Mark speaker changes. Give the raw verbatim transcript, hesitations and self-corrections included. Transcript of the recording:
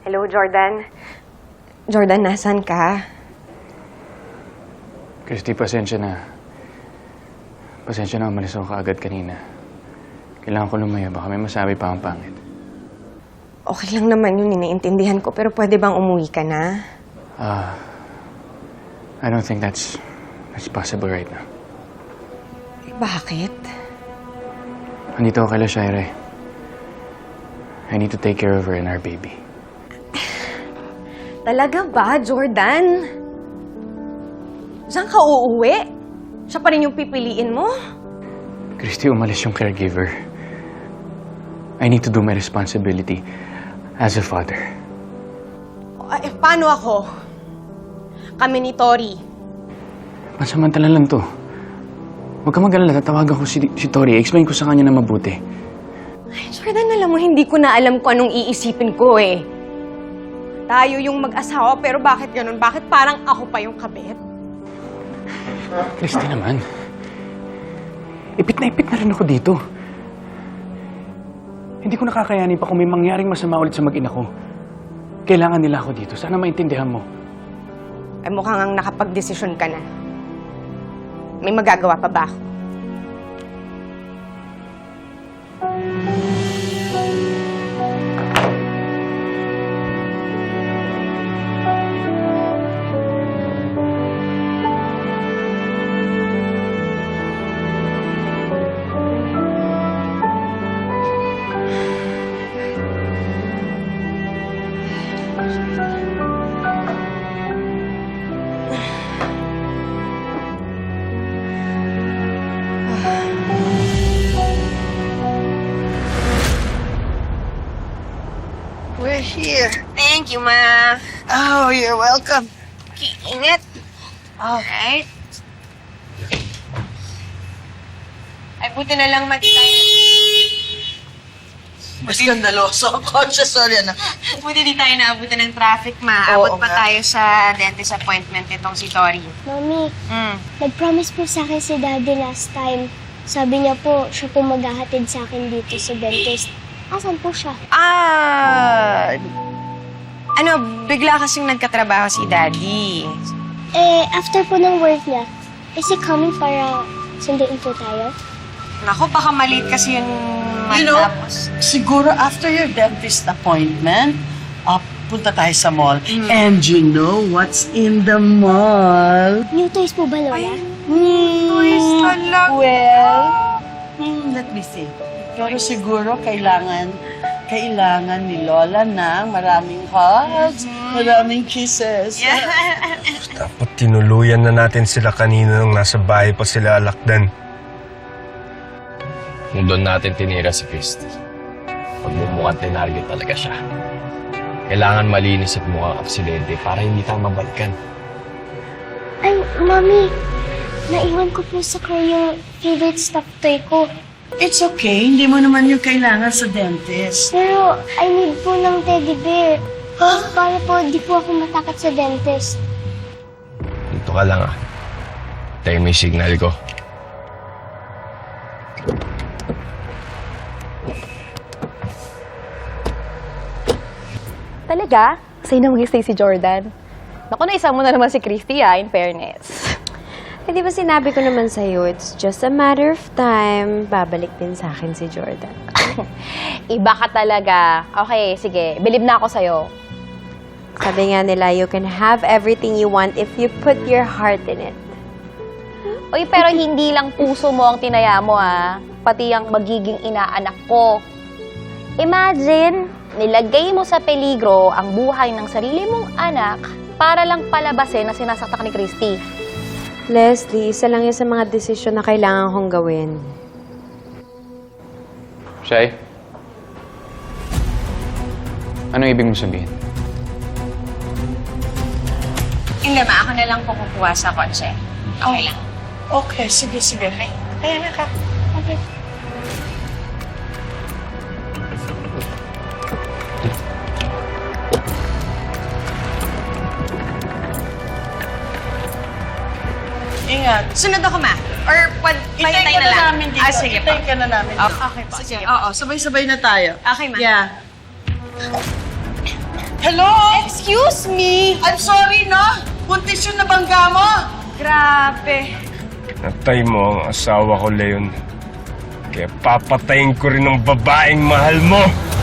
Speaker 1: Hello, Jordan. Jordan, nasan ka?
Speaker 2: Christy, pasensya na. Pasensya na, umalis ako kaagad kanina. Kailangan ko lumaya, baka may masabi pa ang pangit.
Speaker 1: Okay lang naman yun, naiintindihan ko. Pero pwede bang umuwi ka na?
Speaker 2: Ah, I don't think that's, that's possible right now.
Speaker 1: Eh, bakit?
Speaker 2: Andito ako kay Shire. I need to take care of her and our baby.
Speaker 1: Talaga ba, Jordan? Saan ka uuwi? Siya pa rin yung pipiliin mo?
Speaker 2: Christy, umalis yung caregiver. I need to do my responsibility as a father.
Speaker 1: Eh, paano ako? Kami ni Tori.
Speaker 2: Pansamantala lang to. Huwag ka mag-alala, tatawagan ko si, si Tori. Explain ko sa kanya na mabuti.
Speaker 1: Ay, Jordan, alam mo, hindi ko na alam kung anong iisipin ko eh. Tayo yung mag-asawa, pero bakit ganun? Bakit parang ako pa yung kabit?
Speaker 2: Christy naman. Ipit na ipit na rin ako dito. Hindi ko nakakayanin pa kung may mangyaring masama ulit sa mag-ina ko. Kailangan nila ako dito. Sana maintindihan mo.
Speaker 1: Ay, mukhang ang nakapag-desisyon ka na. May magagawa pa ba ako?
Speaker 3: We're here.
Speaker 1: Thank you, Ma.
Speaker 3: Oh, you're welcome.
Speaker 1: Ingat.
Speaker 3: Alright.
Speaker 1: Ay, buti na lang mati tayo.
Speaker 3: Mas skandaloso ako. Sorry, anak.
Speaker 1: Buti di tayo naabutan ng traffic, Ma. Abot
Speaker 3: Oo
Speaker 1: pa
Speaker 3: nga.
Speaker 1: tayo sa dentist appointment nitong si Tori.
Speaker 4: Mami,
Speaker 1: Mm.
Speaker 4: nag-promise po sa akin si Daddy last time. Sabi niya po, siya po maghahatid sa akin dito sa dentist. Asan po siya?
Speaker 1: Ah... Ano, bigla kasing nagkatrabaho si Daddy.
Speaker 4: Eh, after po ng work niya, is he coming para sunduin po tayo?
Speaker 1: Naku, baka maliit kasi yung
Speaker 3: You know,
Speaker 1: matapos.
Speaker 3: siguro after your dentist appointment, uh, punta tayo sa mall. And you know what's in the mall?
Speaker 4: New toys po ba, Lola?
Speaker 1: Toys talaga.
Speaker 3: Well, hmm, let me see. Pero siguro kailangan, kailangan ni Lola ng maraming hugs, maraming kisses.
Speaker 5: Dapat tinuluyan na natin sila kanina nung nasa bahay pa sila alakdan.
Speaker 6: Kung doon natin tinira si Christy, pagmumukhang tinarget talaga siya. Kailangan malinis at mukhang aksidente para hindi tayo mabalikan.
Speaker 4: Ay, Mami, naiwan ko po sa car yung favorite stuffed toy ko.
Speaker 3: It's okay, hindi mo naman yung kailangan sa dentist.
Speaker 4: Pero I need po ng teddy bear. Para po di po ako matakot sa dentist.
Speaker 6: Dito ka lang ah. Tayo may signal ko.
Speaker 7: Talaga? Sa'yo na mag-stay si Jordan. Naku, naisa mo na naman si Christy, ah, in fairness.
Speaker 8: Eh, di ba sinabi ko naman sa'yo, it's just a matter of time. Babalik din sa akin si Jordan.
Speaker 7: Iba ka talaga. Okay, sige. Believe na ako sa'yo.
Speaker 8: Sabi nga nila, you can have everything you want if you put your heart in it.
Speaker 7: Uy, pero hindi lang puso mo ang tinaya mo, ah. Pati ang magiging inaanak ko. Imagine, nilagay mo sa peligro ang buhay ng sarili mong anak para lang palabasin na sinasaktan ni Christy.
Speaker 8: Leslie, isa lang yan sa mga desisyon na kailangan kong gawin.
Speaker 2: Shai? Anong ibig mo sabihin?
Speaker 1: Hindi, Ma. Ako na lang po kukuha sa kotse. Okay lang.
Speaker 3: Okay, sige, sige.
Speaker 1: Kaya na ka.
Speaker 4: Okay.
Speaker 3: Ingat.
Speaker 1: Sunod ako, Ma. Or pwede
Speaker 3: Itay
Speaker 1: tayo
Speaker 3: ka
Speaker 1: na
Speaker 3: na
Speaker 1: lang.
Speaker 3: namin dito.
Speaker 1: Ah, sige
Speaker 3: Itay
Speaker 1: po.
Speaker 3: ka na namin dito.
Speaker 1: Okay, okay po.
Speaker 3: Sige,
Speaker 1: Sige.
Speaker 3: oo. Sabay-sabay na tayo.
Speaker 1: Okay, Ma.
Speaker 3: Yeah. Hello?
Speaker 1: Excuse me!
Speaker 3: I'm sorry, no? Buntis yung nabangga mo.
Speaker 1: Grabe.
Speaker 5: Pinatay mo ang asawa ko, Leon. Kaya papatayin ko rin ang babaeng mahal mo.